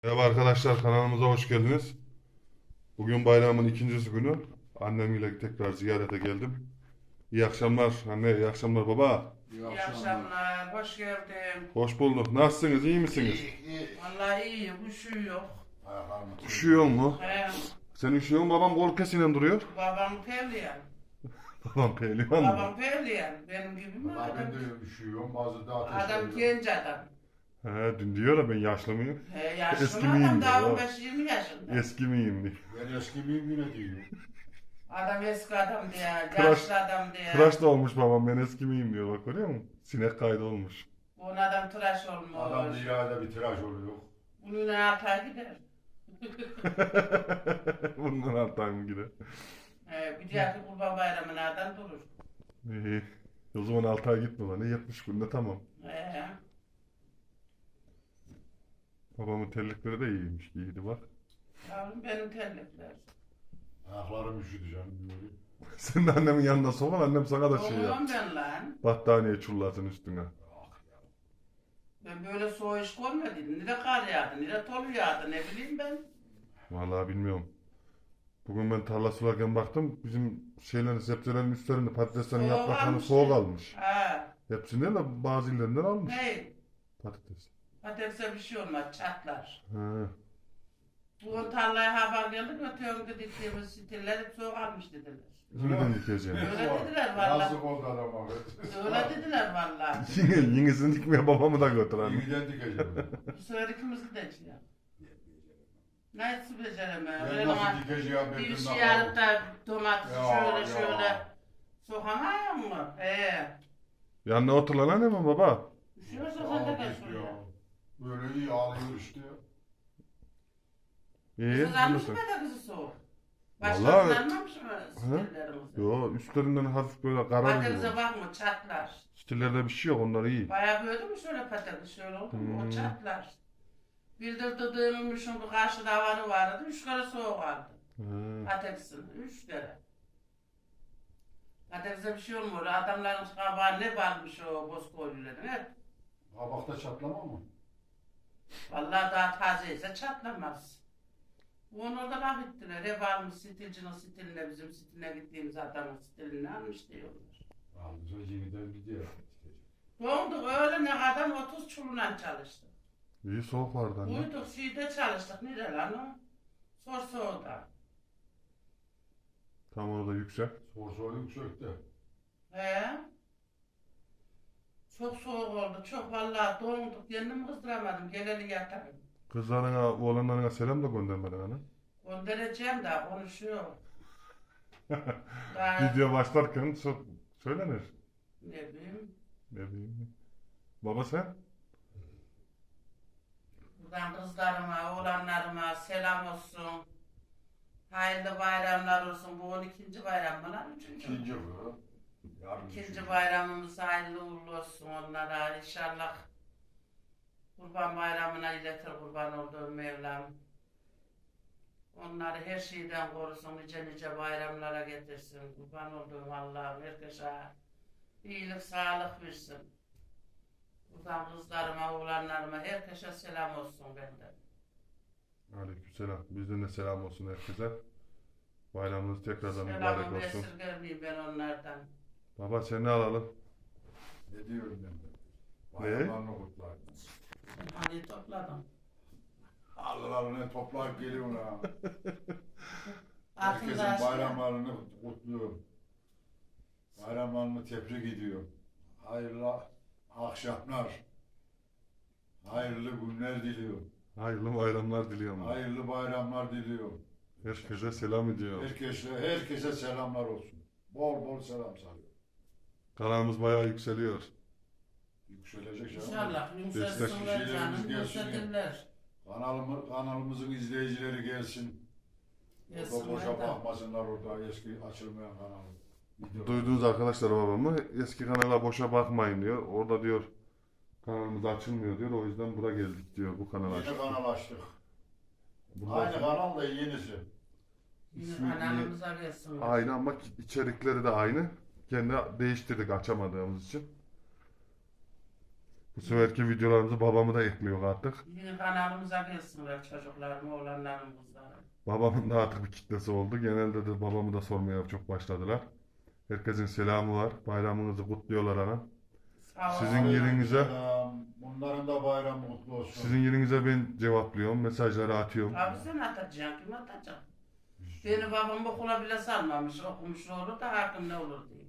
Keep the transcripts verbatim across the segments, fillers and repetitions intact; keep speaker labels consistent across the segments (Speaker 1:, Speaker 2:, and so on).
Speaker 1: Merhaba arkadaşlar, kanalımıza hoş geldiniz. Bugün bayramın ikincisi günü. Annemle tekrar ziyarete geldim. İyi akşamlar anne, iyi akşamlar baba.
Speaker 2: İyi
Speaker 3: İyi
Speaker 2: akşamlar.
Speaker 3: akşamlar, hoş geldin.
Speaker 1: Hoş bulduk. Nasılsınız, iyi misiniz?
Speaker 2: İyi, iyi.
Speaker 3: Vallahi iyiyim, üşüyor.
Speaker 2: Ayaklarımı tutuyor.
Speaker 1: Üşüyor mu?
Speaker 3: He,
Speaker 1: Sen üşüyor musun? Babam kol kesinen duruyor.
Speaker 3: babam pevliyen.
Speaker 1: Babam pehlivan mı?
Speaker 3: Babam pevliyen. Benim gibi mi
Speaker 2: Valla
Speaker 3: adam?
Speaker 2: ben de üşüyorum. Bazı da ateş
Speaker 3: Adam
Speaker 2: oluyor.
Speaker 3: genç adam.
Speaker 1: He, dün diyor ya ben yaşlı mıyım?
Speaker 3: He, yaşlı
Speaker 1: Eski
Speaker 3: mı
Speaker 1: miyim
Speaker 3: adam
Speaker 1: diyor,
Speaker 3: daha
Speaker 1: o.
Speaker 3: on beş yirmi yaşında.
Speaker 1: Eski miyim diye.
Speaker 2: Ben eski miyim yine diyor.
Speaker 3: Adam eski adam diye,
Speaker 1: Tıraş-
Speaker 3: yaşlı adam diye.
Speaker 1: Tıraş da olmuş babam, ben eski miyim diyor, bak görüyor musun? Sinek kaydı olmuş.
Speaker 3: Bu adam tıraş olmuş.
Speaker 2: Adam dünyada bir tıraş oluyor.
Speaker 3: Bunun altı ay gider.
Speaker 1: Bundan altayım gider.
Speaker 3: He, bir dahaki kurban bayramına adam durur.
Speaker 1: İyi. O zaman altı ay gitme lan. yetmiş günde tamam.
Speaker 3: He.
Speaker 1: Babamın terlikleri de iyiymiş. İyiydi bak.
Speaker 3: Yavrum benim terlikler.
Speaker 2: Ayaklarım üşüdü canım. Böyle.
Speaker 1: Sen de annemin yanına sokal. Annem sana da şey yap.
Speaker 3: Oğlum ben lan.
Speaker 1: Battaniye çullasın üstüne.
Speaker 3: Ben böyle soğuk iş görmedim. Ne de kar yağdı, ne de tolu yağdı, ne bileyim ben.
Speaker 1: Vallahi bilmiyorum. Bugün ben tarla sularken baktım. Bizim şeylerin, sebzelerin üstlerinde patateslerin
Speaker 3: Soğuk
Speaker 1: yapraklarını
Speaker 3: almış
Speaker 1: soğuk
Speaker 3: ya.
Speaker 1: almış.
Speaker 3: Ha,
Speaker 1: Hepsinden de bazı illerinden almış
Speaker 3: hey,
Speaker 1: patates.
Speaker 3: patatese bir şey olmaz, çatlar.
Speaker 1: He.
Speaker 3: Bugün tarlaya haber geldi, öteyonda diktiğimiz stiller hep soğuk almış dediler.
Speaker 1: Yeniden dikeceğim.
Speaker 3: Öyle dediler vallahi.
Speaker 2: Nasıl oldu adama?
Speaker 3: Öyle dediler vallahi.
Speaker 1: Yine, yenisini dikmeye babamı da götür anne.
Speaker 2: Yeniden dikeceğim.
Speaker 3: Bu sefer ikimiz gideceğiz. Nasıl beceremem?
Speaker 2: Ben
Speaker 3: Öyle
Speaker 2: nasıl
Speaker 3: ama
Speaker 2: dikeceğim ben
Speaker 3: bir
Speaker 2: bilmem
Speaker 3: şey alıp da domatesi
Speaker 2: Ya,
Speaker 3: şöyle
Speaker 2: ya.
Speaker 3: şöyle sokamıyor mu? He.
Speaker 1: Yanına otur lan annem baba.
Speaker 3: Üşüyorsa sen de
Speaker 2: Ya,
Speaker 3: gel
Speaker 2: işte
Speaker 3: şuraya.
Speaker 2: ya. Böyle iyi ağlıyor işte.
Speaker 1: İyi.
Speaker 3: Kızı almış
Speaker 1: diyorsun.
Speaker 3: mı da kızı soğuk?
Speaker 1: Vallahi-
Speaker 3: Başkasını almamış mı stillerimizi?
Speaker 1: Yo, üstlerinden hafif böyle kararıyor.
Speaker 3: Patatese bakma çatlar.
Speaker 1: Stillerde bir şey yok, onlar iyi.
Speaker 3: Bayağı böyle mi şöyle patates şöyle oldu mu
Speaker 1: Hmm.
Speaker 3: o çatlar. Bildirdiğimin şu karşıda havanı vardı. Üç kere soğuk aldı.
Speaker 1: He.
Speaker 3: Patatesin. Üç kere. Patatese bir şey olmuyor. Adamların kabağı ne varmış o bozkoyluların hep.
Speaker 2: Kabakta çatlama mı?
Speaker 3: Vallahi daha taze ise çatlamaz. Onu orada laf ettiler. Hep almış stilcinin stiline bizim stiline gittiğimiz adamın stilini almış diyorlar.
Speaker 2: Alınca yeniden gidiyor.
Speaker 3: Donduk öyle ne kadar otuz çulundan çalıştık.
Speaker 1: İyi soğuk vardı anne.
Speaker 3: Uyduk şeyde çalıştık. Nere lan o? Sorsoğu'da.
Speaker 1: Tam orada yüksek.
Speaker 2: Sorsoğu yüksekte.
Speaker 3: He? Çok soğuk oldu. Çok vallahi donduk. Kendimi kızdıramadım. Geleli yatarım.
Speaker 1: Kızlarına, oğlanlarına selam da göndermedin ana.
Speaker 3: Göndereceğim daha konuşuyor. Daha
Speaker 1: Video başlarken so- söylenir.
Speaker 3: ne bileyim.
Speaker 1: Ne bileyim. Baba sen?
Speaker 3: Buradan kızlarıma, oğlanlarıma selam olsun. Hayırlı bayramlar olsun. Bu on ikinci bayram mı lan? Üçüncü mü?
Speaker 2: İkinci bu. Yarın
Speaker 3: İkinci
Speaker 2: üçüncü.
Speaker 3: bayramımız hayırlı uğurlu olsun onlara. İnşallah Kurban Bayramı'na iletir kurban olduğum Mevlam. Onları her şeyden korusun, nice nice bayramlara getirsin. Kurban olduğum Allah'ım herkese iyilik, sağlık versin. Buradan kızlarıma, oğlanlarıma herkese selam olsun benden.
Speaker 1: Aleykümselam. Bizden de selam olsun herkese. Bayramınız tekrardan mübarek
Speaker 3: Selamımı
Speaker 1: olsun.
Speaker 3: esirgemeyeyim ben onlardan.
Speaker 1: Baba seni alalım.
Speaker 2: Ne diyorum ben de?
Speaker 1: Ne?
Speaker 2: Bayramlarını kutlar.
Speaker 3: Hani topladım.
Speaker 2: Allah'ını toplayıp geliyorum ha. Herkesin
Speaker 3: Altında aşkı.
Speaker 2: bayramlarını kutluyorum. Bayramlarını tebrik ediyorum. Hayırlı akşamlar. Hayırlı günler diliyorum.
Speaker 1: Hayırlı bayramlar diliyorum.
Speaker 2: Hayırlı bayramlar diliyorum.
Speaker 1: Herkese selam ediyorum.
Speaker 2: Herkese, herkese selamlar olsun. Bol bol selam sarıyor.
Speaker 1: Kanalımız bayağı yükseliyor.
Speaker 2: Yükselecek canım.
Speaker 3: İnşallah
Speaker 1: Destek
Speaker 3: yumuşasınlar
Speaker 2: kişilerimiz
Speaker 3: canım,
Speaker 2: gelsin ya.
Speaker 3: yumuşatırlar.
Speaker 2: Kanalımı, kanalımızın izleyicileri gelsin. Orada
Speaker 3: Yesinler
Speaker 2: boşa
Speaker 3: de.
Speaker 2: bakmasınlar orada eski açılmayan kanalı. Video-
Speaker 1: Duydunuz arkadaşlar babamı. Eski kanala boşa bakmayın diyor. Orada diyor kanalımız açılmıyor diyor. O yüzden bura geldik diyor. Bu kanal
Speaker 2: Yeni
Speaker 1: açtık.
Speaker 2: kanal açtık.
Speaker 1: Bundan
Speaker 2: Aynı
Speaker 1: sonra-
Speaker 2: kanal da yenisi.
Speaker 3: Yine
Speaker 1: İsmi-
Speaker 3: kanalımıza versinler.
Speaker 1: Aynı ama içerikleri de aynı. Kendi değiştirdik açamadığımız için. Bu seferki videolarımızı babamı da ekliyor artık.
Speaker 3: Yeni kanalımıza gelsinler çocuklarım, oğlanlarım, kızlarım.
Speaker 1: Babamın da artık bir kitlesi oldu. Genelde de babamı da sormaya çok başladılar. Herkesin selamı var. Bayramınızı kutluyorlar ana.
Speaker 3: Sağ
Speaker 1: Sizin
Speaker 3: olun.
Speaker 1: yerinize
Speaker 2: Selam. Bunların da bayramı kutlu olsun.
Speaker 1: sizin yerinize ben cevaplıyorum. Mesajları atıyorum.
Speaker 3: Abi sen atacaksın, kim atacak? Beni babam okula bile salmamış, okumuş olur da hakkım ne olur diye.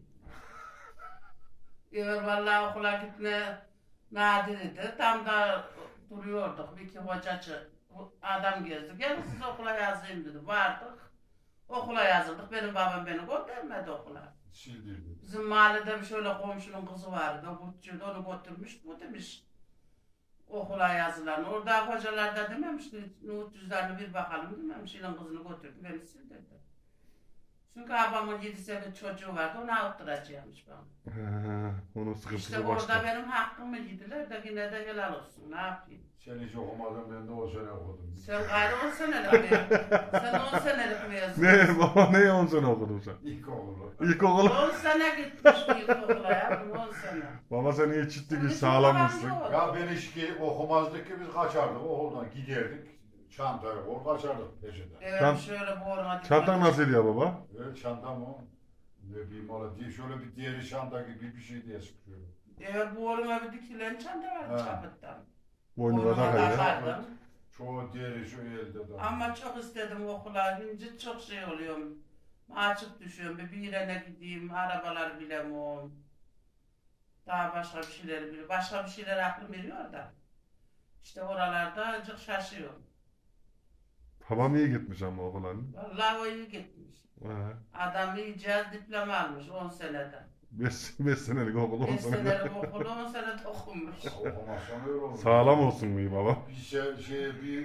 Speaker 3: Evet vallahi okula gitme nadirdi. Tam da duruyorduk. Bir iki hocacı adam gezdi. Gelin siz okula yazayım dedi. Vardık. Okula yazıldık. Benim babam beni göndermedi okula.
Speaker 2: Sildirdi.
Speaker 3: Bizim mahallede bir şöyle komşunun kızı vardı. O Kutçuydu, onu götürmüş. Bu demiş okula yazılan. Orada hocalar da dememiş ki Nuhut cüzdanını bir bakalım dememiş. İlan kızını götürdü. Beni sildirdi. Çünkü babamın yedi sekiz çocuğu vardı. Onu avutturacakmış bana.
Speaker 1: He, onun sıkıntısı
Speaker 3: İşte
Speaker 1: başka.
Speaker 3: orada benim hakkımı yediler de yine de helal olsun. Ne yapayım?
Speaker 2: Sen hiç okumadın, ben de o sene okudum.
Speaker 3: Sen gayrı on senelik mi? Sen on senelik mezun.
Speaker 1: Ne baba ne on sene okudun sen?
Speaker 2: İlkokulu.
Speaker 1: İlkokul.
Speaker 3: on sene gitmiş ilkokula ya. on sene.
Speaker 1: Baba sen iyi çittik
Speaker 3: Bizim
Speaker 1: sağlammışsın.
Speaker 3: babam yok.
Speaker 2: Ya ben hiç ki okumazdık ki biz kaçardık okuldan giderdik. Çantayı kol kaçardık peşinden.
Speaker 3: Evet
Speaker 1: Çant-
Speaker 3: şöyle boğulma.
Speaker 1: Çantan nasıl ya baba?
Speaker 2: Evet çantam o. Ne bileyim ola diye şöyle bir diğeri çanta gibi bir şey diye sıkıyor.
Speaker 3: Evet boğulma bir dikilen çanta vardı
Speaker 2: Ha.
Speaker 3: çapıttan.
Speaker 1: Boynuna
Speaker 3: Boynuma
Speaker 1: takıyor.
Speaker 3: takardım.
Speaker 2: Çoğu diğeri şu elde de.
Speaker 3: Ama çok istedim okula. Şimdi çok şey oluyorum. Açık düşüyorum. Bir birine gideyim. Arabalar bilemiyorum. Daha başka bir şeyler biliyorum. Başka bir şeyler aklım veriyor da. İşte oralarda çok şaşıyorum.
Speaker 1: Babam iyi gitmiş ama okula.
Speaker 3: Vallahi o iyi gitmiş.
Speaker 1: He.
Speaker 3: Adam iyice diploma almış on seneden.
Speaker 1: Beş, beş senelik okul on
Speaker 3: beş
Speaker 1: sene.
Speaker 3: senelik okulu on sene okumuş.
Speaker 2: Okumazsan öyle olur.
Speaker 1: Sağlam olsun mu iyi baba?
Speaker 2: Bir şey, şey bir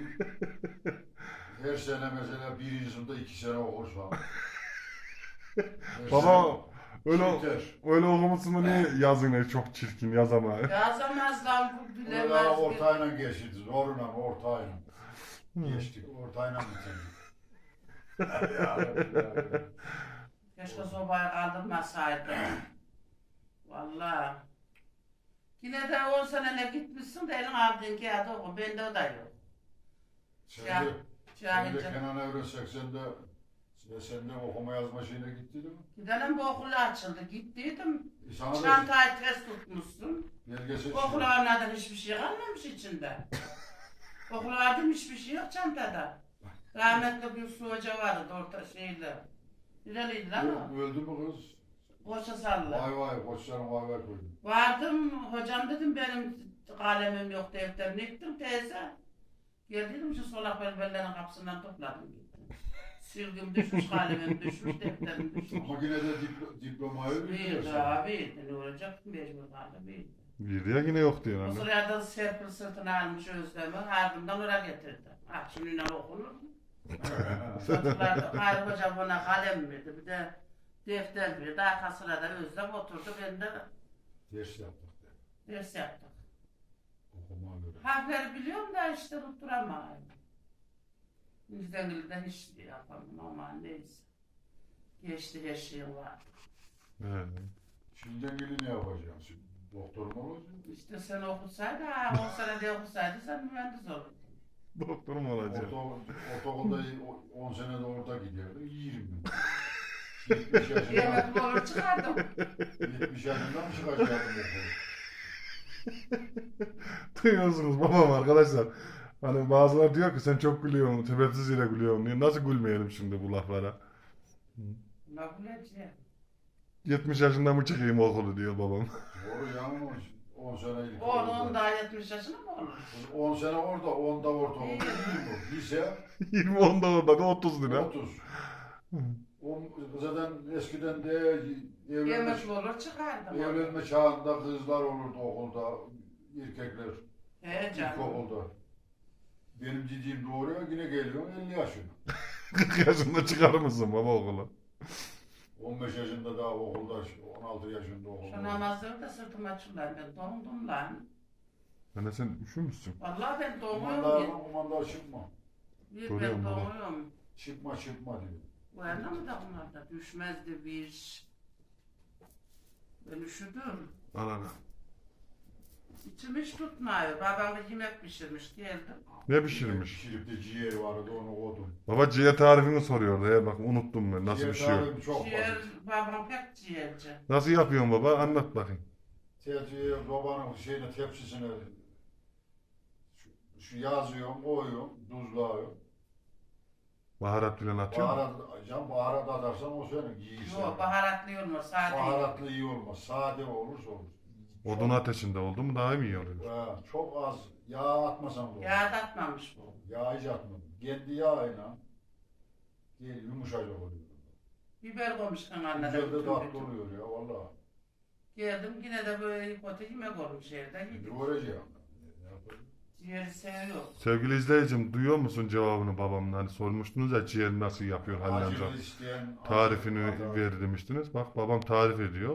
Speaker 2: her sene mesela birinci sınıfta iki sene okursan. Her
Speaker 1: Baba
Speaker 2: sene
Speaker 1: öyle
Speaker 2: yeter.
Speaker 1: öyle okumuşsun da niye yazın ne çok çirkin yazamıyor.
Speaker 3: Yazamaz lan bu
Speaker 2: Orada
Speaker 3: bilemez.
Speaker 2: ortayla geçti. Zoruna ortayla. Geçtik. Ortayla bitirdik. Ya, ya.
Speaker 3: Keşke sobayı kaldırmasaydı. Vallahi. Yine de on senene gitmişsin de elin aldığın kağıdı oku. Bende o da yok.
Speaker 2: Sen
Speaker 3: Ya,
Speaker 2: de, sen de
Speaker 3: Cahilce.
Speaker 2: Kenan Evren seksende sen, sen de okuma yazma şeyine gittin mi?
Speaker 3: Gidelim bu okulu açıldı. Gittiydim.
Speaker 2: E sana da
Speaker 3: Çantayı ters tutmuşsun.
Speaker 2: belgesel
Speaker 3: Okula varmadan hiçbir şey kalmamış içinde. Okula vardım hiçbir şey yok çantada. Rahmetli bir su hoca vardı orta şeyle. Nereliydi lan o?
Speaker 2: Ö- Öldü mü kız?
Speaker 3: Koça salla.
Speaker 2: Vay vay koçlarım vay vay koydu.
Speaker 3: Vardım hocam dedim benim kalemim yok defterim gittim teyze. Gel dedim şu solak belbellerin kapısından topladım gittim. Silgim düşmüş kalemim düşmüş defterim düşmüş.
Speaker 2: Ama yine de diplo, diplomayı
Speaker 3: Bir
Speaker 2: biliyorsun.
Speaker 3: abi ne olacak mecbur kaldı bir.
Speaker 1: Bir ya yine yok diyor
Speaker 3: O
Speaker 1: anne.
Speaker 3: sırada Serpil sırtına almış Özlem'i ardından oraya getirdi. Ah şununla okunur mu? Çocuklar da Hayri Hoca bana kalem verdi bir de defter verdi. Arka sırada Özlem oturdu ben de
Speaker 2: Ders yaptık de.
Speaker 3: ders yaptık.
Speaker 2: Okuma göre.
Speaker 3: Harfleri biliyorum da işte tutturamıyorum. Yüzden gülden hiç yapamam ama neyse. Geçti her şeyim var.
Speaker 1: He.
Speaker 2: Şimdi ilgili ne yapacaksın? Şimdi doktor mu olacaksın?
Speaker 3: İşte sen okusaydın, ha, on sene de okusaydın sen mühendis olurdun.
Speaker 1: Doktor mu olacak?
Speaker 2: Orta, ortaokulda on senede orada giderdi. Yiyirim ben. yetmiş yaşında,
Speaker 3: Yemek olur çıkardım.
Speaker 2: yetmiş yaşında mı çıkacaktım okulu?
Speaker 1: Duyuyorsunuz babam arkadaşlar. Hani bazıları diyor ki sen çok gülüyorsun, sebepsiz yere gülüyorsun diye. Nasıl gülmeyelim şimdi bu laflara?
Speaker 3: Ne bileceğim.
Speaker 1: yetmiş yaşında mı çıkayım okulu diyor babam.
Speaker 2: Doğru ya ama on sene ilk
Speaker 3: Oğlum daha yetmiş yaşında mı olur?
Speaker 2: on sene orada, onda ortaokulda.
Speaker 3: İyi.
Speaker 2: yirmi. Lise
Speaker 1: yirmi onda orada da otuz lira.
Speaker 2: otuz. O, zaten eskiden de evlenme,
Speaker 3: Yemek olur çıkardım.
Speaker 2: evlenme çağında kızlar olurdu okulda, erkekler
Speaker 3: He canım.
Speaker 2: ilkokulda. Benim dediğim doğru yine geliyor elli yaşına.
Speaker 1: kırk yaşında çıkar mısın baba okula?
Speaker 2: on beş yaşında daha okulda, on altı yaşında
Speaker 3: Şu
Speaker 2: okulda.
Speaker 3: namazları da sırtıma çullar ben dondum lan.
Speaker 1: Anne sen üşümüşsün.
Speaker 3: Vallahi ben
Speaker 2: Kumanda,
Speaker 3: donuyorum.
Speaker 2: kumanda çıkma.
Speaker 3: Bir ben
Speaker 1: Görüyorum baba.
Speaker 3: donuyorum.
Speaker 2: Çıkma çıkma diyor.
Speaker 3: Bu yana mı da bunlar da düşmezdi bir. Ben üşüdüm.
Speaker 1: Al ana.
Speaker 3: İçim hiç tutmuyor. Babam bir yemek pişirmiş geldim.
Speaker 1: Ne pişirmiş?
Speaker 2: Pişirip de ciğeri vardı onu koydum.
Speaker 1: Baba ciğer tarifini soruyordu. He, bak unuttum ben nasıl
Speaker 2: Ciğer
Speaker 1: bir şey yok.
Speaker 2: tarifim çok
Speaker 3: Ciğer,
Speaker 2: basit.
Speaker 3: babam pek ciğerci.
Speaker 1: Nasıl yapıyorsun baba? Anlat bakayım.
Speaker 2: Tetiği babanın şeyine tepsisine şu, şu yazıyorum, koyuyorum, tuzluyorum.
Speaker 1: Baharat falan atıyor musun?
Speaker 2: Baharat, can baharat atarsan o senin yiyişin.
Speaker 3: Yok baharatlı olmaz sade.
Speaker 2: Baharatlı iyi olmaz. Sade olursa olur.
Speaker 1: Odun ateşinde oldu mu daha mı iyi oluyor?
Speaker 2: Ha, çok az yağ atmasan da olur.
Speaker 3: Yağ da atmamış bu.
Speaker 2: Yağ hiç atmadım. Kendi yağıyla değil, yumuşacık oluyor.
Speaker 3: Biber koymuş kanalına da.
Speaker 2: Güzel de
Speaker 3: bütün
Speaker 2: tatlı
Speaker 3: bütün.
Speaker 2: oluyor ya valla.
Speaker 3: Geldim yine de böyle kötü yemek olmuş evde yedik.
Speaker 2: Doğrayacağım. Ne yapayım?
Speaker 3: Ciğeri seviyor.
Speaker 1: Sevgili izleyicim duyuyor musun cevabını babamın? Hani sormuştunuz ya ciğer nasıl yapıyor Halil amca.
Speaker 2: Acılı isteyen
Speaker 1: Tarifini
Speaker 2: acı-
Speaker 1: ver demiştiniz. Bak babam tarif ediyor.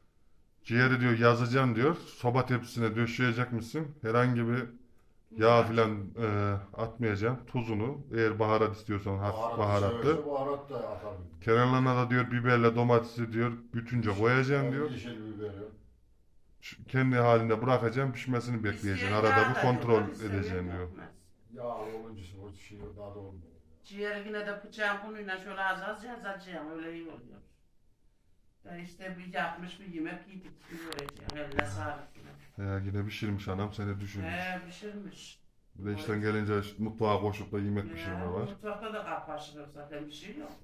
Speaker 1: Ciğeri diyor yazacaksın diyor. Soba tepsisine döşeyecekmişsin. Herhangi bir yağ filan e, atmayacaksın. Tuzunu eğer baharat istiyorsan hafif
Speaker 2: Baharatlı
Speaker 1: baharatlı.
Speaker 2: severse baharat da atarım.
Speaker 1: Kenarlarına da diyor biberle domatesi diyor bütünce koyacaksın diyor.
Speaker 2: Yeşil biberi.
Speaker 1: Şu- Kendi halinde bırakacaksın pişmesini bekleyeceksin.
Speaker 3: İsteyen
Speaker 1: Arada
Speaker 3: yağ
Speaker 1: bir
Speaker 3: da
Speaker 1: kontrol
Speaker 3: yok, isteyen
Speaker 1: edeceksin diyor.
Speaker 3: yapmaz.
Speaker 2: Yağ olunca o şey daha da olmuyor.
Speaker 3: Ciğeri yine de bıçağın bununla şöyle az az yazacağım öyle iyi oluyor. Da işte bir yapmış bir yemek yedik. Yiyeceğim. Eline sağlık yine.
Speaker 1: Ya yine pişirmiş anam seni düşünmüş.
Speaker 3: He pişirmiş.
Speaker 1: Bir de işten gelince mutfağa koşup da yemek pişirme
Speaker 3: Ya,
Speaker 1: var.
Speaker 3: mutfakta da kapaşılır zaten bir şey yok.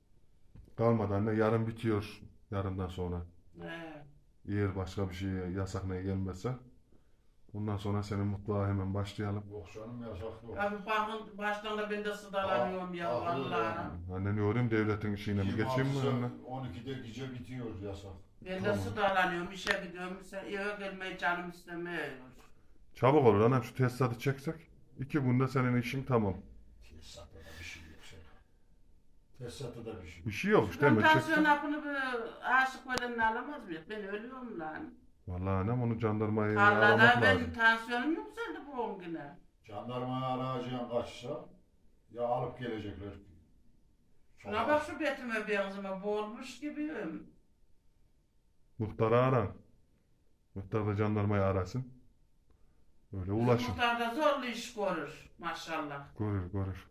Speaker 1: Kalmadı anne yarın bitiyor. Yarından sonra.
Speaker 3: He.
Speaker 1: Eğer başka bir şey yasak ne gelmezse. Ondan sonra senin mutfağa hemen başlayalım.
Speaker 2: Yok canım yasak yok.
Speaker 3: Abi bakın baştan da ben de sıdalanıyorum ya
Speaker 2: Ah, ah,
Speaker 3: vallahi.
Speaker 1: Anne ne olayım devletin işine mi geçeyim mi anne?
Speaker 2: on ikide gece bitiyor yasak.
Speaker 3: Ben de
Speaker 1: Tamam.
Speaker 3: sıdalanıyorum işe gidiyorum. Sen eve gelmeyi canım istemiyor.
Speaker 1: Çabuk olur annem şu tesisatı çeksek. İki günde senin işin tamam.
Speaker 2: Tesisatta da bir şey yok senin. Tesisatta da bir şey
Speaker 1: Bir
Speaker 2: yok.
Speaker 1: şey yok işte
Speaker 3: Ben
Speaker 1: hemen
Speaker 3: tansiyon
Speaker 1: çeksin.
Speaker 3: hapını bir aşık öğrenini alamaz mıyım? Ben ölüyorum lan.
Speaker 1: Vallahi annem onu jandarmayı
Speaker 3: Tarlada
Speaker 1: aramak
Speaker 3: ben
Speaker 1: lazım.
Speaker 3: tansiyonum yükseldi bu on güne.
Speaker 2: Jandarmaya arayacağın kaçsa ya alıp gelecekler.
Speaker 3: Şuna bak şu betime benzeme boğulmuş gibiyim.
Speaker 1: Muhtarı aran. Muhtar da jandarmayı arasın. Öyle ulaşın.
Speaker 3: Muhtar da zorlu iş görür maşallah.
Speaker 1: Görür görür.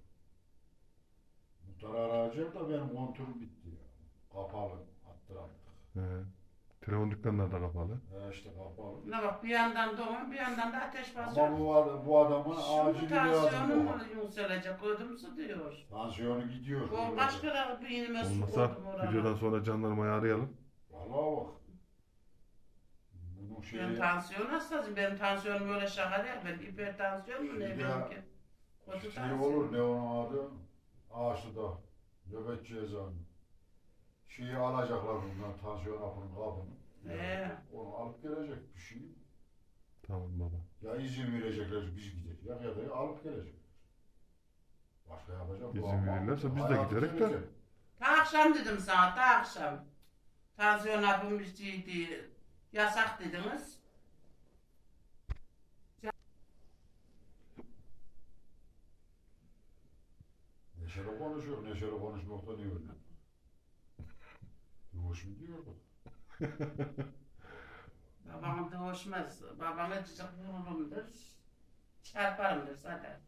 Speaker 2: Muhtarı arayacak da benim kontrolüm bitti ya. Kapalı. Attıramadık.
Speaker 1: He. Telefon dükkanları da kapalı.
Speaker 2: He işte kapalı.
Speaker 3: Ne bak bir yandan doğum bir yandan da ateş
Speaker 2: Ama
Speaker 3: basıyor.
Speaker 2: bu, ad- bu adamın
Speaker 3: Şimdi
Speaker 2: acili
Speaker 3: tansiyonum
Speaker 2: lazım.
Speaker 3: mu yükselecek ödümsü diyor.
Speaker 2: Tansiyonu gidiyor.
Speaker 3: O başka bir inime su
Speaker 1: Olmasa
Speaker 3: koydum oraya.
Speaker 1: videodan sonra jandarmayı arayalım.
Speaker 2: Vallahi bak. Bunun şeyi...
Speaker 3: Ben tansiyon hastasıyım. Benim tansiyonum öyle şaka değil. Ben hipertansiyon mu ne
Speaker 2: Ya,
Speaker 3: benimki? Kötü
Speaker 2: Şey
Speaker 3: tansiyon.
Speaker 2: olur ne onun adı? Ağaçlı'da. Nöbetçi eczane. Şeyi alacaklar bundan tansiyon hapının kabını.
Speaker 3: He.
Speaker 2: Onu alıp gelecek bir şey.
Speaker 1: Tamam baba.
Speaker 2: Ya izin verecekler biz gidelim ya, ya da alıp gelecekler. Başka yapacak
Speaker 1: İzin
Speaker 2: ama
Speaker 1: verirlerse biz de
Speaker 2: hayatı
Speaker 1: giderek de.
Speaker 2: gelecek.
Speaker 3: Ta akşam dedim sana, ta akşam. Tansiyon hapım içiydi. Yasak dediniz.
Speaker 2: Neşeli konuşuyor, neşeli konuşmakta ne öyle? Yoğuş mu diyor bu?
Speaker 3: Babam da hoşmaz. Babama cicik vururumdur. Çarparımdır zaten.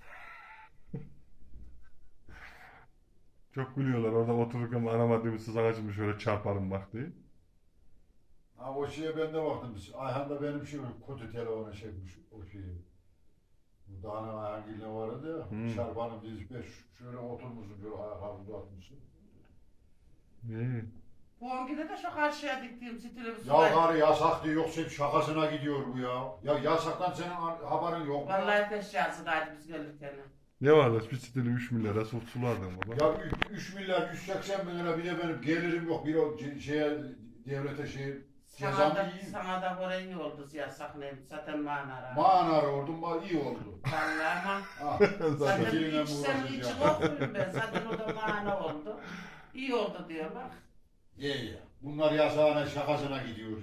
Speaker 1: Çok gülüyorlar orada otururken aramadığım sız ağacımı şöyle çarparım bak diye.
Speaker 2: Ha o şeye ben de baktım. Ayhan da benim şey kötü telefona çekmiş o şeyi. Bu Dağın Ayhan Gül'le vardı ya.
Speaker 1: Hmm.
Speaker 2: Şarpanın dizip şöyle oturmuşsun, böyle ayaklarını uzatmışsın.
Speaker 1: İyi.
Speaker 3: Bu ongide de şu karşıya diktiğim stili bir
Speaker 2: Ya karı yasak diyor, yoksa şakasına gidiyor bu ya. Ya yasaktan senin haberin yok mu?
Speaker 3: Vallahi peşyasıdaydı biz gelirken.
Speaker 1: Ne vardı? Bir stili üç milyara su sulardın baba.
Speaker 2: Ya üç milyar yüz seksen bin lira bir de benim gelirim yok. Bir o ce- şeye devlete şey
Speaker 3: Sana
Speaker 2: cezamı
Speaker 3: da,
Speaker 2: yiyeyim.
Speaker 3: sana da böyle iyi oldu yasak ne? Zaten manara.
Speaker 2: Mağanar oldum, ma- iyi oldu.
Speaker 3: Vallahi ama.
Speaker 2: Ha.
Speaker 3: Zaten
Speaker 2: Fikirle
Speaker 3: içsem
Speaker 2: uğraşacağım.
Speaker 3: içim okuyum ben. Zaten o da mana oldu. İyi oldu diyor bak.
Speaker 2: Ye ya. Bunlar yasağına şakasına gidiyor.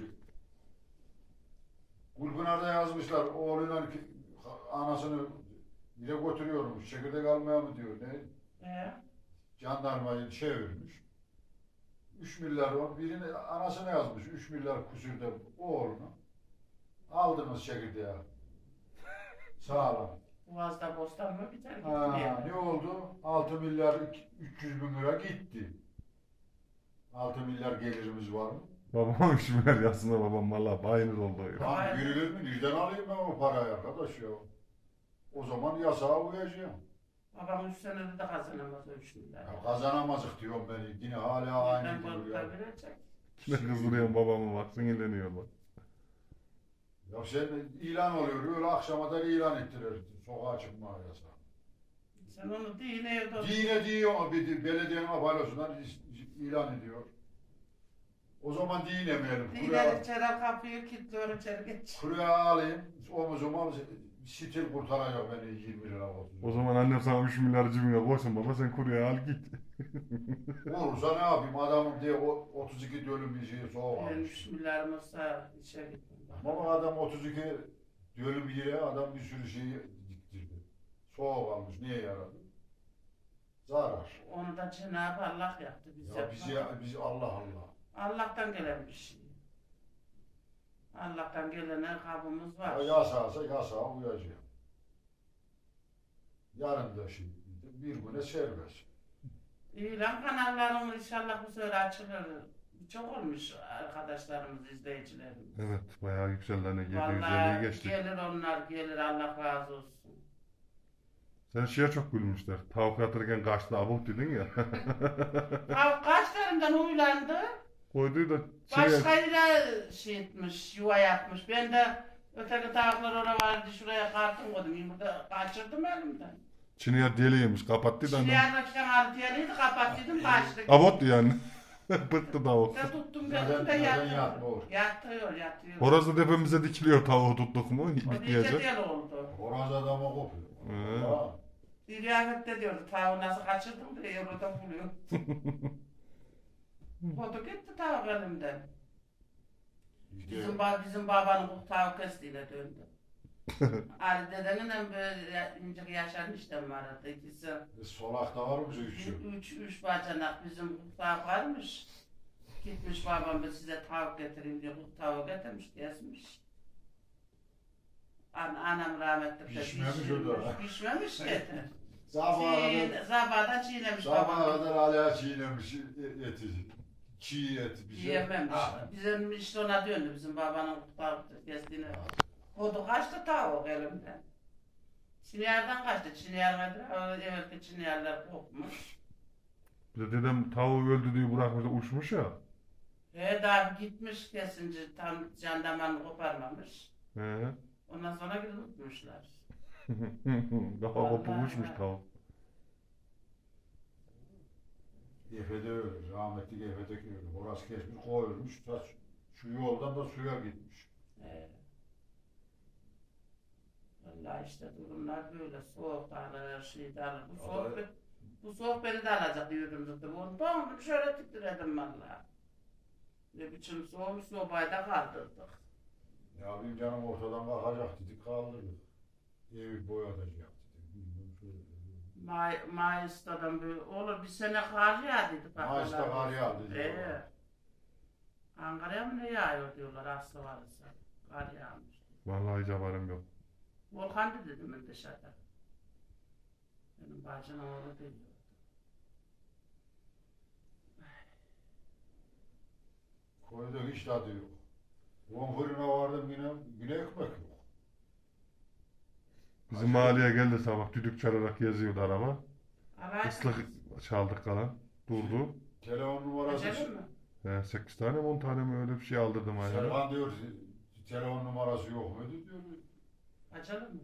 Speaker 2: Gülpınar'da yazmışlar oğluyla ki- anasını bile götürüyormuş. Çekirdek almaya mı diyor ne?
Speaker 3: Ee,
Speaker 2: Jandarmayı çevirmiş. üç milyar o birini anasına yazmış. üç milyar küsürde oğluna. Aldınız çekirdeği. Sağlam.
Speaker 3: Boğaz'da bostan mı biter gitti
Speaker 2: Ha,
Speaker 3: yani.
Speaker 2: ne oldu? altı milyar üç yüz bin lira gitti. altı milyar gelirimiz var mı?
Speaker 1: Babam üç milyar yazsın babam valla bayınır oldu. Ya.
Speaker 2: Lan verilir mi? Nereden alayım ben o parayı arkadaş ya? O zaman yasağa uyacağım.
Speaker 3: Babam üç senede de kazanamaz o üç milyar.
Speaker 2: Ya kazanamazık diyorum beni. Yine hala aynı
Speaker 3: Ben
Speaker 2: duruyor.
Speaker 3: balıklar verecek.
Speaker 1: Ne kızdırıyorum babamı bak sinirleniyor bak.
Speaker 2: Ya sen ilan oluyor. Öyle akşama da ilan ettiler. Sokağa çıkma yasağı.
Speaker 3: Sen onu değil evde otur.
Speaker 2: Dine diyor bir belediyenin paylaşımından ilan ediyor. O zaman dinemeyelim.
Speaker 3: Diler
Speaker 2: Kuraya,
Speaker 3: içeri kapıyı kilitliyor içeri geç.
Speaker 2: kuraya alayım. Omuzuma stil kurtaracak beni yirmi lira olsun.
Speaker 1: O zaman annem sana üç milyar cebine koysun baba sen kuruya al git.
Speaker 2: Olursa ne yapayım adamım diye o otuz iki dönüm bir şeyi soğuk
Speaker 3: Benim
Speaker 2: almış.
Speaker 3: üç milyarım olsa içeri gittim.
Speaker 2: Ama adam otuz iki dönüm yere adam bir sürü şeyi diktirdi. Soğuk almış. Niye yaradı? Zarar.
Speaker 3: Onu da Cenab-ı Allah yaptı bize.
Speaker 2: Ya bizi, biz Allah Allah.
Speaker 3: Allah'tan gelen bir şey. Allah'tan gelene kabımız var.
Speaker 2: Ya yasağsa yasağa uyacağım. Yarın da şimdi bir güne serbest.
Speaker 3: İlan kanallarım inşallah bu sefer açılır. Çok olmuş arkadaşlarımız, izleyicilerimiz.
Speaker 1: Evet bayağı yükseldi hani yedi yüz elliyi
Speaker 3: Vallahi
Speaker 1: geçtik.
Speaker 3: gelir onlar, gelir Allah razı olsun.
Speaker 1: Sen şeye çok gülmüşler. Tavuk atırken kaçtı abuk dedin ya.
Speaker 3: Tavuk kaçlarından huylandı.
Speaker 1: Koyduğu da şeye,
Speaker 3: Başka yere şey etmiş, yuva yapmış. Ben de öteki tavuklar oraya vardı, şuraya kartım koydum. Yumurta kaçırdım elimden.
Speaker 1: Çin'e deli yemiş kapattı da annem.
Speaker 3: Şuraya çıkan altıyalıydı, kapattıydım, kaçtı.
Speaker 1: Abot yani. Bıktı tavuk.
Speaker 3: Ben tuttum
Speaker 2: Neden-
Speaker 3: gözümde
Speaker 2: neden
Speaker 3: yatıyor.
Speaker 2: yatmıyor?
Speaker 3: Yatıyor, yatıyor.
Speaker 1: Horoz da tepemize dikiliyor tavuğu tuttuk mu?
Speaker 3: O iyice
Speaker 1: Bitleyecek.
Speaker 3: del oldu.
Speaker 2: Horoz adama kopuyor.
Speaker 1: He.
Speaker 2: Ha.
Speaker 3: Bir riyafette diyordu, tavuğu nasıl kaçırdım diye orada buluyor. Kodu gitti tavuk elimden.
Speaker 2: İşte
Speaker 3: Bizim, ba bizim babanın bu tavuk kestiğine döndü. Ali dedenin hem böyle incik yaşan işlem vardı. İkisi
Speaker 2: solakta var mı üçü?
Speaker 3: üç, üç bacanak bizim bu tavuk varmış. Gitmiş babam ben size tavuk getireyim diye bu tavuğu getirmiş, kesmiş. An anam rahmetli de
Speaker 2: Pişmemiş o da.
Speaker 3: Pişmemiş getir.
Speaker 2: Sabaha
Speaker 3: Çiğ,
Speaker 2: kadar,
Speaker 3: sabahdan çiğnemiş
Speaker 2: sabaha
Speaker 3: babam.
Speaker 2: kadar hala çiğnemiş eti. Çiğ et bir şey.
Speaker 3: Yiyememiş.
Speaker 2: Ha.
Speaker 3: Bizim işte ona döndü bizim babanın tavuk kestiğine. Kodu kaçtı tavuk elimden. Çinyardan kaçtı. Çinyar nedir? Evvelki çinyarlar kopmuş.
Speaker 1: Bir de dedem tavuğu öldü diye bırakmış da uçmuş ya.
Speaker 3: He daha bir gitmiş kesince tam jandarmanı koparmamış.
Speaker 1: He.
Speaker 3: Ondan sonra gidip tutmuşlar.
Speaker 1: Kafa kopup
Speaker 3: Vallahi
Speaker 1: uçmuş
Speaker 3: ya.
Speaker 1: tavuk.
Speaker 2: Efe'de öyle. Rahmetli Efe'deki öyle. Orası kesmiş koyulmuş. Ta şu yoldan da suya gitmiş.
Speaker 3: He. Vallahi işte durumlar böyle. Soğuk alır, her şey de alır. Bu soğuk, be- bu soğuk beni de alacak diyordum zaten. Onu dondum şöyle titredim vallahi. Ne biçim soğuk sobayı da kaldırdık.
Speaker 2: Ya benim canım ortadan kalkacak dedik kaldırdık. Evi boyatacak dedik. Bilmem şöyle.
Speaker 3: May, Mayıs'ta böyle olur bir sene kar yağdıydı.
Speaker 2: Mayıs'ta kar yağdı diyorlar.
Speaker 3: Ee, Ankara'ya mı ne yağıyor diyorlar aslı varsa. Kar yağmış.
Speaker 1: Vallahi hiç haberim yok.
Speaker 3: Volkan dedim ben dışarıda. Benim bacım oğlu değil.
Speaker 2: Koyda hiç tadı yok. On fırına vardım yine, yine ekmek yok.
Speaker 1: Bizim mahalleye geldi sabah düdük çalarak geziyordu araba.
Speaker 3: Alay
Speaker 1: Islık çaldık kalan. Durdu.
Speaker 2: Telefon numarası.
Speaker 3: Acele mi?
Speaker 1: He, sekiz tane mi on tane mi öyle bir şey aldırdım ayağına.
Speaker 2: Serkan diyor telefon numarası yok muydu diyor.
Speaker 3: Acele mi?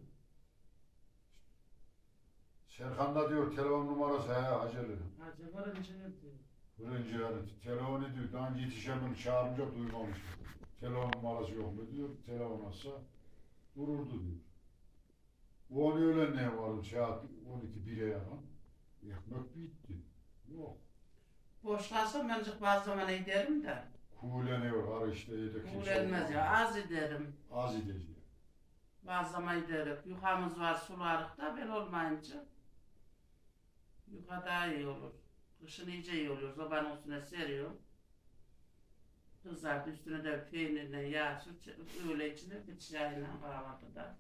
Speaker 2: Serkan da diyor telefon numarası he acele.
Speaker 3: Acele varınca ne diyor?
Speaker 2: Fırıncı yani telefon ediyor. Daha önce yetişemiyorum çağırınca duymamış. Telefon numarası yok mu diyor. Telefon alsa dururdu diyor. Bu onu öğlenliğe vardı saat on iki bire yakın. Ekmek bitti. Yok.
Speaker 3: Boş kalsam ben çık bazı zaman ederim de.
Speaker 2: Kuğuleniyor var işte yedek.
Speaker 3: Uğrenmez ya az ederim.
Speaker 2: Az edeceğim.
Speaker 3: Bazı zaman ederim. Yukamız var sularık da ben olmayınca. Yuka daha iyi olur. Kışın iyice iyi oluyor. Sobanın üstüne seriyorum. Kızardı üstüne de peynirle yağ sür, öyle içilir bir çayla kahvaltıda.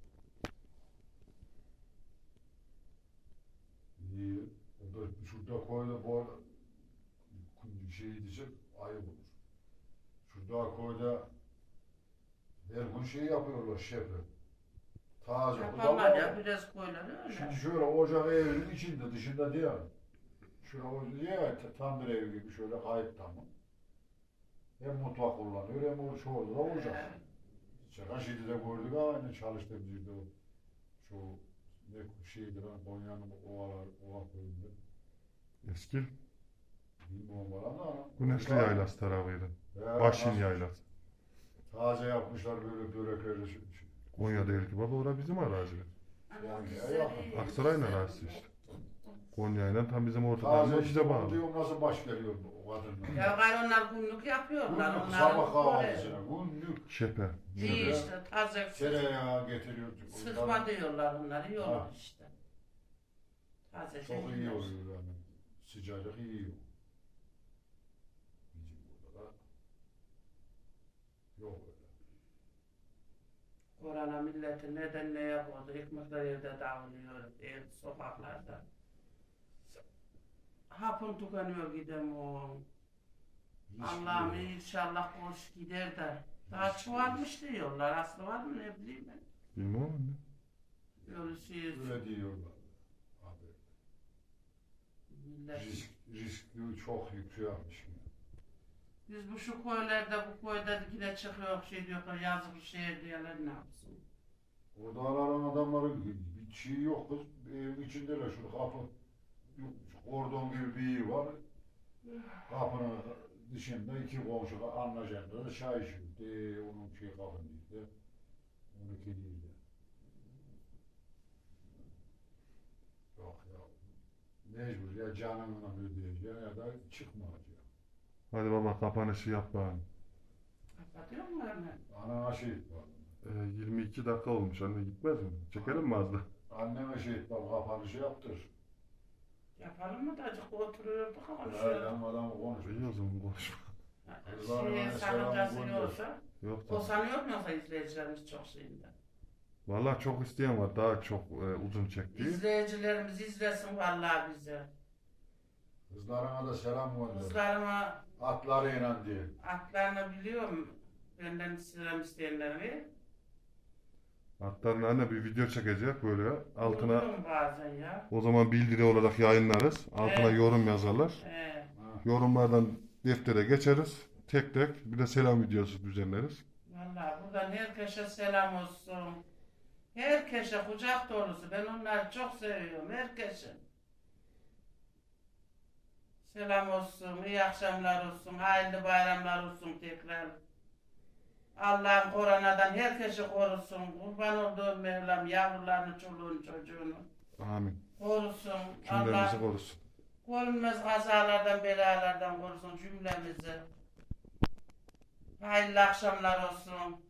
Speaker 2: İyi. O da şurada koyda bu arada şey diyecek ayıp olur. Şurada koyda her gün şey yapıyorlar şefi. Taze
Speaker 3: Yaparlar
Speaker 2: budalar.
Speaker 3: ya biraz koyular öyle.
Speaker 2: Şimdi şöyle ocak evinin içinde dışında değil. Şöyle o diye ya tandır evi gibi şöyle kayıp tamam. Hem mutfak kullanıyor hem o çoğu da ocak. Şaka şeydi de gördük aynı çalıştığımız yerde o şu ne şeydir ha Konya'nın ovalar ova koyunda.
Speaker 1: Eski
Speaker 2: Bilmiyorum bana da.
Speaker 1: Güneşli Yaylası tarafıydı.
Speaker 2: Ya,
Speaker 1: Başin
Speaker 2: nasıl-
Speaker 1: Yaylası.
Speaker 2: Taze yapmışlar böyle börekleri. şu- şu-
Speaker 1: Konya değil ki baba, orası bizim arazi.
Speaker 2: Yani
Speaker 3: Güzel
Speaker 2: ya,
Speaker 3: iyi,
Speaker 1: Aksaray'ın
Speaker 3: güzel.
Speaker 1: arazisi işte. Konya'yla tam bizim
Speaker 2: Taze
Speaker 1: ortalarında
Speaker 2: işte
Speaker 1: bize
Speaker 2: bunu
Speaker 1: bağlı.
Speaker 2: diyorum nasıl baş geliyor bu o kadınlar.
Speaker 3: Ya gayrı onlar günlük yapıyorlar.
Speaker 2: Günlük
Speaker 3: Onlar
Speaker 2: sabah kahvaltısına günlük
Speaker 1: Şepe.
Speaker 3: İyi işte taze
Speaker 2: tereyağı getiriyor.
Speaker 3: sıkma diyorlar onlar iyi olur
Speaker 2: Ha.
Speaker 3: işte. Taze
Speaker 2: Çok
Speaker 3: şey
Speaker 2: iyi
Speaker 3: yiyoruz.
Speaker 2: oluyor yani. Sıcacık iyi. Bizim burada da yok öyle.
Speaker 3: Korona milleti neden ne yapıyordu? Ekmekler evde dağılıyor, ev sokaklarda. Hapın tükeniyor gidem o. Allah'ım inşallah hoş gider de. Daha çoğalmış diyorlar. Aslı var mı ne bileyim ben.
Speaker 1: Bilmem anne.
Speaker 3: Böyle şey,
Speaker 2: Öyle diyorlar. Abi
Speaker 3: millet.
Speaker 2: risk, riski çok yükselmiş.
Speaker 3: Biz bu şu köylerde bu köyde yine çıkıyor şey diyorlar yazık şehir diyorlar ne yapsın.
Speaker 2: Orada aranan adamların bir şey yok kız. Evin içindeler şu kapı. Yok, kordon gibi bir yer var. Kapının dışında iki komşu anlaşanda da çay içiyor. De, onun şey kapın değil de. on iki değil de. Yok ya. Mecbur ya canımla ödeyeceğim ya da çıkmayacağım.
Speaker 1: Hadi baba kapanışı yap bana.
Speaker 3: Kapatıyor mu hemen?
Speaker 2: Anana şehit var.
Speaker 1: Ee, yirmi iki dakika olmuş anne, gitmez mi? Çekelim mi az da?
Speaker 2: Anneme şehit var. Kapanışı yaptır.
Speaker 3: Yapalım mı da acık oturuyorduk ama
Speaker 2: Adam adam konuşuyor.
Speaker 1: İyi o zaman konuşma.
Speaker 3: Şey sakıncası yoksa.
Speaker 1: Yok
Speaker 3: O
Speaker 1: da.
Speaker 3: sanıyor mu yoksa izleyicilerimiz çok şeyinde?
Speaker 1: Vallahi çok isteyen var, daha çok e, uzun çektiği.
Speaker 3: İzleyicilerimiz izlesin vallahi bizi.
Speaker 2: Kızlarına da selam gönder.
Speaker 3: Kızlarıma
Speaker 2: Atlarıyla diye.
Speaker 3: atlarını biliyorum. Benden selam isteyenleri.
Speaker 1: Hatta anne bir video çekecek böyle. Altına
Speaker 3: Unuturum bazen ya.
Speaker 1: o zaman bildiri olarak yayınlarız. Altına
Speaker 3: Evet.
Speaker 1: yorum yazarlar.
Speaker 3: Ee,
Speaker 2: Ha.
Speaker 1: Yorumlardan deftere geçeriz. Tek tek bir de selam videosu düzenleriz.
Speaker 3: vallahi buradan herkese selam olsun. Herkese kucak dolusu. Ben onları çok seviyorum. Herkese. Selam olsun, iyi akşamlar olsun, hayırlı bayramlar olsun tekrar. Allah'ım koronadan herkesi korusun. Kurban olduğum Mevlam yavrularını, çoluğunu, çocuğunu
Speaker 1: Amin.
Speaker 3: korusun.
Speaker 1: Cümlemizi
Speaker 3: Allah
Speaker 1: korusun.
Speaker 3: görünmez kazalardan, belalardan korusun cümlemizi. Hayırlı akşamlar olsun.